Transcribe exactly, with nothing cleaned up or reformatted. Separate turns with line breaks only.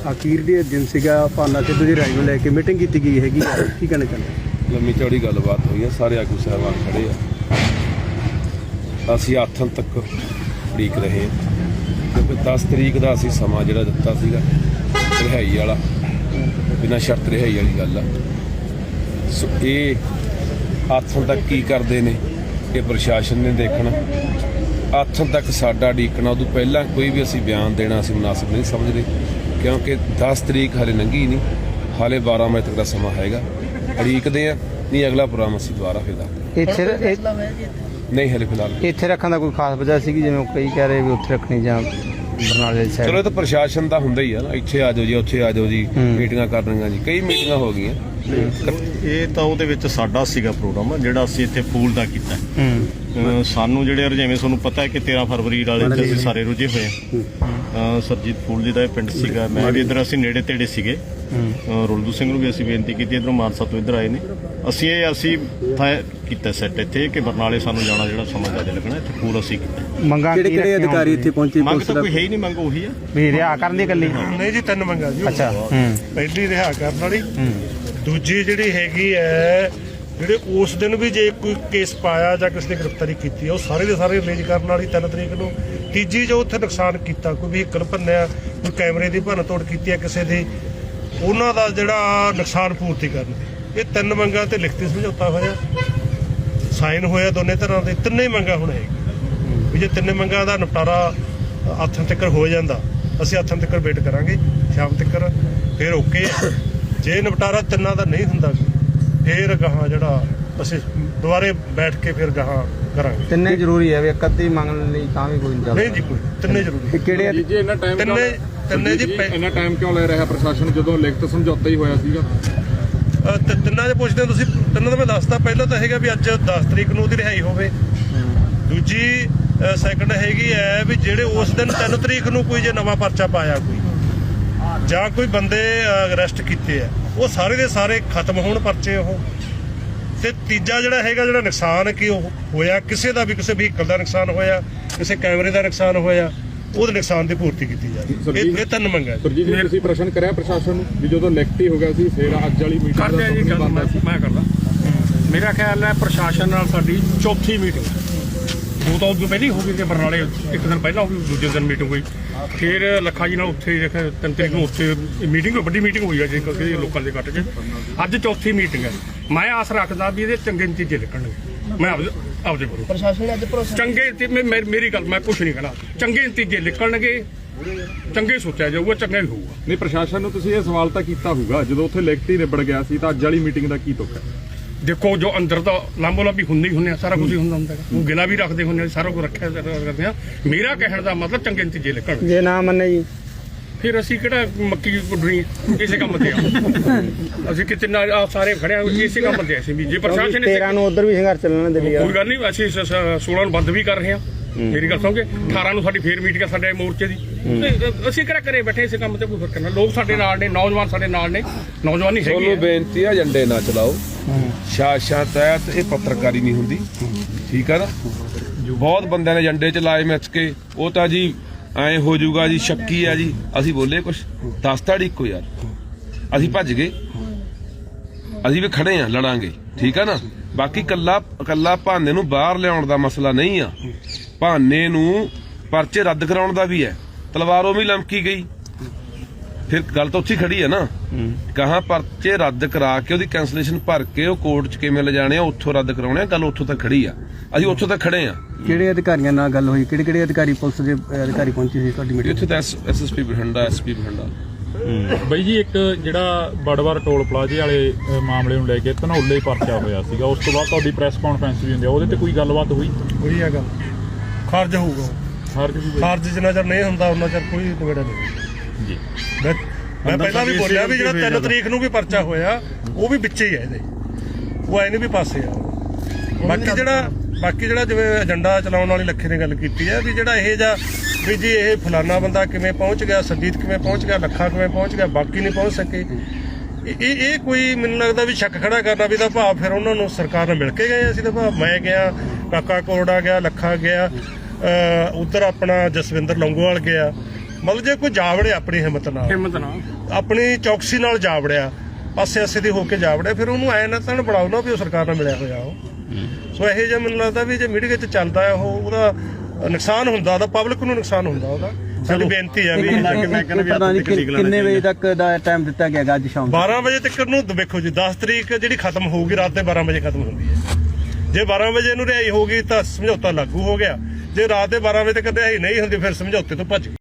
ਅਖੀਰ ਦੇ ਦਿਨ ਸੀਗਾ ਭਾਨਾ ਸਿੱਧੂ ਦੀ ਰਾਈ ਨੂੰ ਲੈ ਕੇ ਮੀਟਿੰਗ ਕੀਤੀ ਗਈ ਹੈਗੀ, ਕੀ ਕਹਿਣਾ ਚਾਹੁੰਦੇ?
ਲੰਮੀ ਚੌੜੀ ਗੱਲਬਾਤ ਹੋਈ ਹੈ, ਸਾਰੇ ਆਗੂ ਸਾਹਿਬਾਨ ਖੜੇ ਆ, ਅਸੀਂ ਆਥਣ ਤੱਕ ਉਡੀਕ ਰਹੇ ਹਾਂ ਕਿਉਂਕਿ ਦਸ ਤਰੀਕ ਦਾ ਅਸੀਂ ਸਮਾਂ ਜਿਹੜਾ ਦਿੱਤਾ ਸੀਗਾ ਰਿਹਾਈ ਵਾਲਾ, ਬਿਨਾਂ ਸ਼ਰਤ ਰਿਹਾਈ ਵਾਲੀ ਗੱਲ ਆ। ਸੋ ਇਹ ਆਥਣ ਤੱਕ ਕੀ ਕਰਦੇ ਨੇ ਇਹ ਪ੍ਰਸ਼ਾਸਨ ਨੇ ਦੇਖਣਾ। ਆਥਣ ਤੱਕ ਸਾਡਾ ਉਡੀਕਣਾ, ਉਦੋਂ ਪਹਿਲਾਂ ਕੋਈ ਵੀ ਅਸੀਂ ਬਿਆਨ ਦੇਣਾ ਅਸੀਂ ਮੁਨਾਸਿਬ ਨਹੀਂ ਸਮਝਦੇ ਕਿਉਂਕਿ ਦਸ ਤਰੀਕ ਹਾਲੇ ਲੰਘੀ ਨਹੀਂ, ਹਾਲੇ ਬਾਰਾਂ ਵਜੇ ਤੱਕ ਦਾ ਸਮਾਂ ਹੈਗਾ। ਉਡੀਕਦੇ ਆ, ਨਹੀਂ ਅਗਲਾ ਪ੍ਰੋਗਰਾਮ ਅਸੀਂ ਦੁਬਾਰਾ ਫਿਰ ਦੱਸਦੇ
ਇੱਥੇ
ਨਹੀਂ ਹਲੇ ਫਿਲਹਾਲ
ਇੱਥੇ ਰੱਖਣ ਦਾ ਕੋਈ ਖਾਸ ਵਜ੍ਹਾ ਸੀਗੀ, ਜਿਵੇਂ ਕਈ ਕਹਿ ਰਹੇ ਵੀ ਉੱਥੇ ਰੱਖਣੀ ਜਾਂ ਬਰਨਾਲੇ ਦੀ ਸਾਈਡ?
ਚਲੋ ਇਹ ਤਾਂ ਪ੍ਰਸ਼ਾਸਨ ਦਾ ਹੁੰਦਾ ਹੀ ਆ ਨਾ, ਇੱਥੇ ਆ ਜਾਓ ਜੀ ਉੱਥੇ ਆ ਜਾਓ ਜੀ, ਮੀਟਿੰਗਾਂ ਕਰਨੀਆਂ ਜੀ, ਕਈ ਮੀਟਿੰਗਾਂ ਹੋ ਗਈਆਂ।
ਇਹ ਤਾਂ ਉਹਦੇ ਵਿੱਚ ਸਾਡਾ ਸੀਗਾ ਪ੍ਰੋਗਰਾਮ ਜਿਹੜਾ ਅਸੀਂ ਇੱਥੇ ਫੂਲ ਦਾ ਕੀਤਾ। ਸਾਨੂੰ ਜਿਹੜੇ ਜਿਵੇਂ ਤੁਹਾਨੂੰ ਪਤਾ ਹੈ ਕਿ ਤੇਰਾਂ ਫਰਵਰੀ ਵਾਲੇ ਅਸੀਂ ਸਾਰੇ ਰੁੱਝੇ ਹੋਏ ਆ। ਸਰਜੀਤ ਫੂਲ ਜੀ ਦਾ ਇਹ ਪਿੰਡ ਸੀਗਾ, ਮੈਂ ਵੀ ਇੱਧਰ ਅਸੀਂ ਨੇੜੇ ਤੇੜੇ ਸੀਗੇ। ਰੁਲਦੂ ਸਿੰਘ ਨੂੰ ਵੀ ਅਸੀਂ ਬੇਨਤੀ ਕੀਤੀ, ਇੱਧਰੋਂ ਮਾਨਸਾ ਤੋਂ ਇੱਧਰ ਆਏ ਨੇ। ਅਸੀਂ ਇਹ ਅਸੀਂ ਕੀਤਾ ਸੈੱਟ ਇੱਥੇ ਕਿ ਬਰਨਾਲੇ ਸਾਨੂੰ ਜਾਣਾ ਜਿਹੜਾ ਸਮਾਂ ਜ਼ਿਆਦਾ ਲੱਗਣਾ, ਇੱਥੇ ਫੂਲ ਅਸੀਂ ਕੀਤਾ।
ਮੰਗਾਂ ਕਿਹੜੇ ਕਿਹੜੇ ਅਧਿਕਾਰੀ ਇੱਥੇ ਪਹੁੰਚੇ?
ਮੰਗ ਤਾਂ ਕੋਈ ਹੈ ਹੀ ਨਹੀਂ, ਮੰਗ ਉਹੀ ਆ
ਵੀ ਰਿਹਾ ਕਰਨ ਦੀ ਇਕੱਲੀ?
ਨਹੀਂ ਜੀ, ਤਿੰਨ ਮੰਗਾਂ ਜੀ।
ਅੱਛਾ,
ਪਹਿਲੀ ਰਿਹਾ ਕਰਨ ਵਾਲੀ, ਦੂਜੀ ਜਿਹੜੀ ਹੈਗੀ ਹੈ ਜਿਹੜੇ ਉਸ ਦਿਨ ਵੀ ਜੇ ਕੋਈ ਕੇਸ ਪਾਇਆ ਜਾਂ ਕਿਸੇ ਨੇ ਗ੍ਰਿਫਤਾਰੀ ਕੀਤੀ ਉਹ ਸਾਰੇ ਦੇ ਸਾਰੇ ਰਿਲੀਜ਼ ਕਰਨ ਵਾਲੀ ਤਿੰਨ ਤਰੀਕ ਨੂੰ। ਤੀਜੀ ਜੋ ਉੱਥੇ ਨੁਕਸਾਨ ਕੀਤਾ, ਕੋਈ ਵਹੀਕਲ ਭੰਨਿਆ, ਕੋਈ ਕੈਮਰੇ ਦੀ ਭੰਨ ਤੋੜ ਕੀਤੀ ਹੈ ਕਿਸੇ ਦੀ, ਉਹਨਾਂ ਦਾ ਜਿਹੜਾ ਨੁਕਸਾਨ ਪੂਰਤੀ ਕਰਨ। ਇਹ ਤਿੰਨ ਮੰਗਾਂ ਤੇ ਲਿਖਤੀ ਸਮਝੌਤਾ ਹੋਇਆ, ਸਾਈਨ ਹੋਇਆ ਦੋਨੇ ਤਰ੍ਹਾਂ ਦੇ। ਤਿੰਨੇ ਮੰਗਾਂ ਹੁਣ ਹੈਗੀਆਂ ਵੀ ਜੇ ਤਿੰਨੇ ਮੰਗਾਂ ਦਾ ਨਿਪਟਾਰਾ ਆਥਣ ਤੱਕ ਹੋ ਜਾਂਦਾ, ਅਸੀਂ ਆਥਣ ਤੱਕ ਵੇਟ ਕਰਾਂਗੇ ਸ਼ਾਮ ਤੱਕ, ਫਿਰ ਓਕੇ। ਜੇ ਨਿਪਟਾਰਾ ਤਿੰਨਾਂ ਦਾ ਨਹੀਂ ਹੁੰਦਾ ਫਿਰ ਗਾਹਾਂ ਜਿਹੜਾ ਅਸੀਂ ਦੁਬਾਰੇ ਬੈਠ ਕੇ ਫਿਰ ਗਾਹਾਂ ਕਰਾਂਗੇ।
ਤਿੰਨੇ ਜ਼ਰੂਰੀ ਹੈ ਵੀ ਇੱਕ ਅੱਧੀ ਮੰਗਣ ਲਈ ਤਾਂ ਵੀ ਕੋਈ ਨਹੀਂ ਚੱਲਦਾ?
ਨਹੀਂ ਜੀ, ਕੋਈ ਤਿੰਨੇ ਜ਼ਰੂਰੀ।
ਕਿਹੜੇ
ਜੀ ਇੰਨਾ ਟਾਈਮ
ਤਿੰਨੇ ਤਿੰਨੇ ਜੀ
ਇੰਨਾ ਟਾਈਮ ਕਿਉਂ ਲੈ ਰਿਹਾ ਪ੍ਰਸ਼ਾਸਨ ਜਦੋਂ ਲਿਖਤ ਸਮਝੌਤਾ ਹੀ ਹੋਇਆ ਸੀਗਾ?
ਤਿੰਨਾਂ ਦੇ ਪੁੱਛਦੇ ਤੁਸੀਂ? ਤਿੰਨਾਂ ਦਾ ਮੈਂ ਦੱਸਦਾ। ਪਹਿਲਾਂ ਤਾਂ ਹੈਗਾ ਵੀ ਅੱਜ ਦਸ ਤਰੀਕ ਨੂੰ ਉਹਦੀ ਰਿਹਾਈ ਹੋਵੇ। ਦੂਜੀ ਸੈਕੰਡ ਹੈਗੀ ਹੈ ਵੀ ਜਿਹੜੇ ਉਸ ਦਿਨ ਤਿੰਨ ਤਰੀਕ ਨੂੰ ਕੋਈ ਜੇ ਨਵਾਂ ਪਰਚਾ ਪਾਇਆ ਕੋਈ ਜਾਂ ਕੋਈ ਬੰਦੇ ਅਰੈਸਟ ਕੀਤੇ ਆ, ਉਹ ਸਾਰੇ ਦੇ ਸਾਰੇ ਖਤਮ ਹੋਣ ਪਰਚੇ ਉਹ। ਤੇ ਤੀਜਾ ਜਿਹੜਾ ਹੈਗਾ ਜਿਹੜਾ ਨੁਕਸਾਨ ਕੀ ਉਹ ਹੋਇਆ ਕਿਸੇ ਦਾ ਵੀ, ਕਿਸੇ ਵਹੀਕਲ ਦਾ ਨੁਕਸਾਨ ਹੋਇਆ, ਕਿਸੇ ਕੈਮਰੇ ਦਾ ਨੁਕਸਾਨ ਹੋਇਆ, ਉਹਦੇ ਨੁਕਸਾਨ ਦੀ ਪੂਰਤੀ ਕੀਤੀ ਜਾਵੇ। ਇਹ ਤਿੰਨ ਮੰਗਾਂ।
ਸਰਜੀਤ ਜੀ ਤੁਸੀਂ ਪ੍ਰਸ਼ਨ ਕਰਿਆ ਪ੍ਰਸ਼ਾਸਨ ਨੂੰ ਵੀ ਜਦੋਂ ਲਿਖਤੀ ਹੋ ਗਿਆ ਸੀ ਫਿਰ ਅੱਜ ਵਾਲੀ ਮੀਟਿੰਗ
ਕਰਦੇ ਆ ਜੀ ਗੱਲ? ਮੈਂ ਕਰਦਾ। ਮੇਰਾ ਖਿਆਲ ਹੈ ਪ੍ਰਸ਼ਾਸਨ ਨਾਲ ਸਾਡੀ ਚੌਥੀ ਮੀਟਿੰਗ, ਦੋ ਤਾਂ ਉਦੋਂ ਪਹਿਲਾਂ ਹੀ ਹੋ ਗਈ ਕਿ ਬਰਨਾਲੇ ਇੱਕ ਦਿਨ ਪਹਿਲਾਂ ਹੋ ਗਈ, ਦੂਜੇ ਦਿਨ ਮੀਟਿੰਗ ਹੋਈ। ਫਿਰ ਲੱਖਾ ਜੀ ਨਾਲ ਉੱਥੇ ਤਿੰਨ ਤਰੀਕ ਨੂੰ ਉੱਥੇ ਮੀਟਿੰਗ, ਵੱਡੀ ਮੀਟਿੰਗ ਹੋਈ ਹੈ ਜੀ ਲੋਕਾਂ ਦੇ ਇਕੱਠ 'ਚ। ਅੱਜ ਚੌਥੀ ਮੀਟਿੰਗ ਹੈ। ਮੈਂ ਆਸ ਰੱਖਦਾ ਵੀ ਇਹਦੇ ਚੰਗੇ ਨਤੀਜੇ ਨਿਕਲਣਗੇ। ਮੈਂ ਆਪਦੇ ਆਪਦੇ ਕੋਲ
ਪ੍ਰਸ਼ਾਸਨ ਅੱਜ ਭਰੋਸਾ
ਚੰਗੇ, ਮੇਰੀ ਗੱਲ ਮੈਂ ਕੁਛ ਨਹੀਂ ਕਹਿਣਾ, ਚੰਗੇ ਨਤੀਜੇ ਨਿਕਲਣਗੇ, ਚੰਗੇ ਸੋਚਿਆ ਜਾਊਗਾ, ਚੰਗਾ ਹੀ ਹੋਊਗਾ।
ਨਹੀਂ ਪ੍ਰਸ਼ਾਸਨ ਨੂੰ ਤੁਸੀਂ ਇਹ ਸਵਾਲ ਤਾਂ ਕੀਤਾ ਹੋਊਗਾ ਜਦੋਂ ਉੱਥੇ ਲਿਖਤੀ ਨਿਬੜ ਗਿਆ ਸੀ ਤਾਂ ਅੱਜ ਵਾਲੀ ਮੀਟਿੰਗ ਦਾ ਕੀ ਤੁਕ ਹੈ?
ਦੇਖੋ ਜੋ ਅੰਦਰ ਤਾਂ ਲਾਂਬੋ ਲਾਂਬੀ ਹੁੰਦੀ ਹੁੰਦੇ ਆ, ਸਾਰਾ ਕੁਝ ਹੀ ਹੁੰਦਾ ਹੁੰਦਾ ਉਹ ਗਿਲਾ ਵੀ ਰੱਖਦੇ ਹੁੰਦੇ ਆ, ਸਾਰਾ ਕੁਝ ਰੱਖਿਆ ਕਰਦੇ ਆ। ਮੇਰਾ ਕਹਿਣ ਦਾ ਮਤਲਬ ਚੰਗੇ ਨਤੀਜੇ ਨਿਕਲਣ।
ਜੇ ਨਾ ਮੰਨੇ ਜੀ
ਫਿਰ ਅਸੀਂ ਕਿਹੜਾ ਮੱਕੀ ਗੁੱਡਣੀ ਇਸੇ ਕੰਮ ਤੇ ਆ। ਅਸੀਂ ਕਿਤੇ ਨਾ ਸਾਰੇ ਖੜਿਆ ਇਸੇ ਕੰਮ ਤੇ ਅਸੀਂ ਵੀ ਜੇ ਪ੍ਰਸ਼ਾਸਨ ਨੇ
ਤੇਰਾਂ ਨੂੰ ਉਧਰ ਵੀ ਸੰਘਰਸ਼ ਚੱਲਣਾ ਦਿੱਲੀ
ਕੋਈ ਗੱਲ ਨਹੀਂ, ਅਸੀਂ ਸੋਲਾਂ ਨੂੰ ਬੰਦ ਵੀ ਕਰ ਰਹੇ ਹਾਂ। ਮੇਰੀ ਗੱਲ ਸੁਣੋਗੇ, ਅਠਾਰਾਂ ਨੂੰ ਸਾਡੀ ਫੇਰ ਮੀਟਿੰਗ ਆ ਸਾਡੇ ਮੋਰਚੇ ਦੀ। ਅਸੀਂ ਕਿਹੜਾ ਘਰੇ ਬੈਠੇ ਇਸੇ ਕੰਮ ਤੇ ਕੋਈ ਫਰਕ ਨਾ। ਲੋਕ ਸਾਡੇ ਨਾਲ ਨੇ, ਨੌਜਵਾਨ ਸਾਡੇ ਨਾਲ ਨੇ, ਨੌਜਵਾਨੀ ਹੈਗੀ।
ਤੁਹਾਨੂੰ ਬੇਨਤੀ ਆ ਏਜੰਡੇ ਨਾ ਚਲਾਓ, ਸ਼ਾਸ਼ਾ ਤਹਿਤ ਇਹ ਪੱਤਰਕਾਰੀ ਨਹੀਂ ਹੁੰਦੀ, ਠੀਕ ਆ ਨਾ। ਬਹੁਤ ਬੰਦਿਆਂ ਨੇ ਏਜੰਡੇ ਚ ਲਾਏ ਮਿੱਥ ਕੇ, ਉਹ ਤਾਂ ਜੀ ਐ ਹੋ ਜਾਊਗਾ ਜੀ, ਸ਼ੱਕੀ ਆ ਜੀ। ਅਸੀਂ ਬੋਲੇ ਕੁਛ ਦਸ ਤਾੜੀ ਇੱਕੋ ਯਾਰ, ਅਸੀਂ ਭੱਜ ਗਏ, ਅਸੀਂ ਵੀ ਖੜੇ ਆ, ਲੜਾਂਗੇ, ਠੀਕ ਆ ਨਾ। ਬਾਕੀ ਕੱਲਾ ਕੱਲਾ ਭਾਨੇ ਨੂੰ ਬਾਹਰ ਲਿਆਉਣ ਦਾ ਮਸਲਾ ਨਹੀਂ ਆ, ਭਾਨੇ ਨੂੰ ਪਰਚੇ ਰੱਦ ਕਰਾਉਣ ਦਾ ਵੀ ਹੈ। ਤਲਵਾਰੋਂ ਵੀ ਲਮਕੀ ਗਈ, ਫਿਰ ਗੱਲ ਤਾਂ ਉੱਥੇ ਖੜੀ ਹੈ ਨਾ। ਕਹਾਂ ਪਰਚੇ ਰੱਦ ਕਰਾ ਕੇ ਉਹਦੀ ਕੈਂਸਲੇਸ਼ਨ ਭਰ ਕੇ ਉਹ ਕੋਰਟ 'ਚ ਕਿਵੇਂ ਲਿਜਾਣੇ ਆ, ਉੱਥੋਂ ਰੱਦ ਕਰਾਉਣੇ ਆ, ਗੱਲ ਉੱਥੋਂ ਤੱਕ ਖੜੀ ਆ। ਅਸੀਂ ਉੱਥੋਂ ਤੱਕ ਖੜੇ ਆ।
ਕਿਹੜੇ ਅਧਿਕਾਰੀਆਂ ਨਾਲ ਗੱਲ ਹੋਈ? ਕਿਹੜੇ ਕਿਹੜੇ ਅਧਿਕਾਰੀ ਪੁਲਿਸ ਦੇ ਅਧਿਕਾਰੀ ਪਹੁੰਚੇ ਸੀ ਤੁਹਾਡੀ ਮੀਟਿੰਗ?
ਇੱਥੇ ਤਾਂ S S P Bathinda, S P Bathinda.
ਬਈ ਜੀ ਇੱਕ ਜਿਹੜਾ ਬੜਵਾਰ ਟੋਲ ਪਲਾਜ਼ੇ ਵਾਲੇ ਮਾਮਲੇ ਨੂੰ ਲੈ ਕੇ ਧਨੌਲੇ ਪਰਚਾ ਹੋਇਆ ਸੀਗਾ, ਉਸ ਤੋਂ ਬਾਅਦ ਤੁਹਾਡੀ ਪ੍ਰੈਸ ਕਾਨਫਰੰਸ ਵੀ ਹੁੰਦੀ ਆ, ਉਹਦੇ ਤੇ ਕੋਈ ਗੱਲਬਾਤ ਹੋਈ?
ਹੋਈ ਆ ਗੱਲ, ਖਾਰਜ ਹੋਊਗਾ।
ਖਾਰਜ ਵੀ
ਖਾਰਜ ਜਿੰਨਾ ਚਿਰ ਨਹੀਂ ਹੁੰਦਾ ਉਹਨਾਂ ਚਿਰ ਕੋਈ ਨਿਬੇੜਾ ਨਹੀਂ ਜੀ। ਮੈਂ ਮੈਂ ਪਹਿਲਾਂ ਵੀ ਬੋਲਿਆ ਵੀ ਜਿਹੜਾ ਤਿੰਨ ਤਰੀਕ ਨੂੰ ਵੀ ਪਰਚਾ ਹੋਇਆ ਉਹ ਵੀ ਵਿੱਚੇ ਹੀ ਹੈ ਇਹਦੇ, ਉਹ ਐ ਨਹੀਂ ਵੀ ਪਾਸੇ ਆ। ਬਾਕੀ ਜਿਹੜਾ ਬਾਕੀ ਜਿਹੜਾ ਜਿਵੇਂ ਏਜੰਡਾ ਚਲਾਉਣ ਵਾਲੀ ਲੱਖੇ ਨੇ ਗੱਲ ਕੀਤੀ ਹੈ ਵੀ ਜਿਹੜਾ ਇਹ ਜਾਂ ਵੀ ਜੀ ਇਹ ਫਲਾਨਾ ਬੰਦਾ ਕਿਵੇਂ ਪਹੁੰਚ ਗਿਆ, ਸੰਜੀਤ ਕਿਵੇਂ ਪਹੁੰਚ ਗਿਆ, ਲੱਖਾ ਕਿਵੇਂ ਪਹੁੰਚ ਗਿਆ, ਬਾਕੀ ਨਹੀਂ ਪਹੁੰਚ ਸਕੇ, ਇਹ ਇਹ ਕੋਈ ਮੈਨੂੰ ਲੱਗਦਾ ਵੀ ਸ਼ੱਕ ਖੜਾ ਕਰਨਾ ਵੀ ਦਾ ਭਾਵ ਫਿਰ ਉਹਨਾਂ ਨੂੰ ਸਰਕਾਰ ਨਾਲ ਮਿਲ ਕੇ ਗਏ। ਅਸੀਂ ਤਾਂ ਭਾਵ ਮੈਂ ਗਿਆ, ਕਾਕਾ ਕੋਰੜਾ ਗਿਆ, ਲੱਖਾ ਗਿਆ, ਉਧਰ ਆਪਣਾ ਜਸਵਿੰਦਰ ਲੌਂਗੋਵਾਲ ਗਿਆ, ਮਤਲਬ ਜੇ ਕੋਈ ਜਾਵੜੇ ਆਪਣੀ ਹਿੰਮਤ ਨਾਲ
ਹਿੰਮਤ ਨਾਲ
ਆਪਣੀ ਚੌਕਸੀ ਨਾਲ ਜਾਵੜਿਆ ਪਾਸੇ ਆਸੇ ਦੀ ਹੋ ਕੇ ਜਾਵੜਿਆ ਫਿਰ ਉਹਨੂੰ ਐ ਨਾ ਤਾਂ ਬਣਾਓ ਨਾ ਵੀ ਉਹ ਸਰਕਾਰ ਨਾਲ ਮਿਲਿਆ ਹੋਇਆ ਉਹ ਸੋ ਇਹੋ ਜਿਹਾ ਮੈਨੂੰ ਲੱਗਦਾ ਵੀ ਜੇ ਮੀਡੀਆ 'ਚ ਚੱਲਦਾ ਹੈ ਉਹ ਉਹਦਾ ਨੁਕਸਾਨ ਹੁੰਦਾ ਉਹਦਾ ਪਬਲਿਕ ਨੂੰ ਨੁਕਸਾਨ ਹੁੰਦਾ ਉਹਦਾ ਸਾਡੀ ਬੇਨਤੀ ਹੈ ਵੀ
ਪ੍ਰਧਾਨ ਜੀ ਕਿ- ਕਿੰਨੇ ਵਜੇ ਤੱਕ ਦਾ ਟਾਈਮ ਦਿੱਤਾ ਗਿਆ ਗਾ ਅੱਜ ਸ਼ਾਮ
ਬਾਰਾਂ ਵਜੇ ਤੱਕ ਨੂੰ ਵੇਖੋ ਜੀ ਦਸ ਤਰੀਕ ਜਿਹੜੀ ਖਤਮ ਹੋਊਗੀ ਰਾਤ ਦੇ ਬਾਰਾਂ ਵਜੇ ਖਤਮ ਹੁੰਦੀ ਹੈ ਜੇ ਬਾਰਾਂ ਵਜੇ ਨੂੰ ਰਿਹਾਈ ਹੋਊਗੀ ਤਾਂ ਸਮਝੌਤਾ ਲਾਗੂ ਹੋ ਗਿਆ ਜੇ ਰਾਤ ਦੇ ਬਾਰਾਂ ਵਜੇ ਤੱਕ ਰਿਹਾਈ ਨਹੀਂ ਹੁੰਦੀ ਫਿਰ ਸਮਝੌਤੇ ਤੋਂ ਭੱਜ ਗਏ